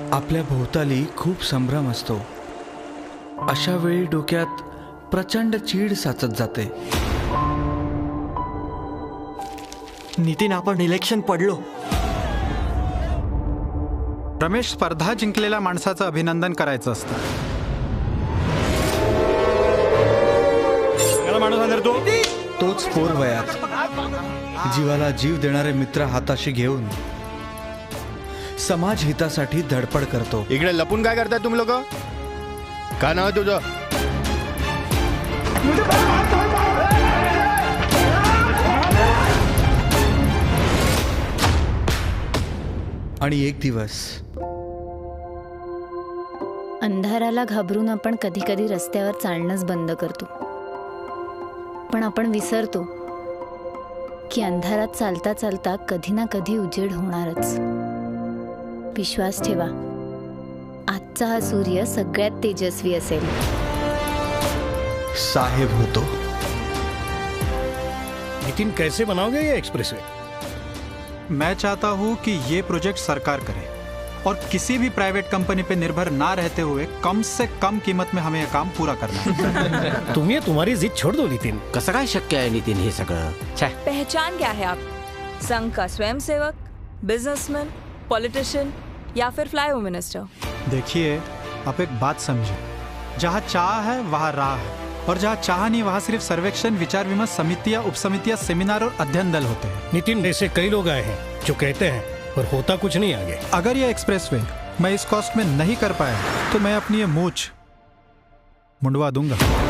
आपल्या भोवताली खूप संभ्रम असतो. अशा वेळी डोक्यात प्रचंड चीड साचत जाते. नितीन, आपण इलेक्शन पडलो. रमेश, स्पर्धा जिंकलेल्या माणसाचं अभिनंदन करायचं असतं. तोच पोर वयात जीवाला जीव देणारे मित्र हाताशी घेऊन समाज हितासाठी धडपड करतो. इकडे लपून काय करताय तुम्ही लोक? काय नाव आहे तुझं? आणि एक दिवस अंधाराला घाबरून आपण कधी कधी रस्त्यावर चालणंच बंद करतो. पण आपण विसरतो की अंधारात चालता चालता कधी ना कधी उजेड होणारच. विश्वास ठेवा, आजचा हा सूर्य सगळ्यात तेजस्वी असेल. साहेब होतो. नितिन, कैसे बनाओगे ये एक्सप्रेसवे? मैं चाहता हूँ कि ये प्रोजेक्ट सरकार करे और किसी भी प्राइवेट कंपनी पे निर्भर ना रहते हुए कम से कम कीमत में हमें यह काम पूरा करना है. तुम्ही तुम्हारी जिद छोड़ दो नितिन. कसं काय शक्य आहे नितिन हे सगळं? पहचान क्या है आप? संघ का स्वयंसेवक, बिजनेसमैन, पॉलिटिशियन या फिर फ्लाई होम मिनिस्टर? देखिए, आप एक बात समझिए, जहाँ चाह है वहाँ राह है, और जहाँ चाह नहीं वहाँ सिर्फ सर्वेक्षण, विचार विमर्श, समितियाँ, उपसमितियाँ, सेमिनार और अध्ययन दल होते हैं. नितिन जैसे कई लोग आए हैं जो कहते हैं पर होता कुछ नहीं आगे. अगर ये एक्सप्रेसवे मैं इस कॉस्ट में नहीं कर पाया तो मैं अपनी ये मूछ मुंडवा दूंगा.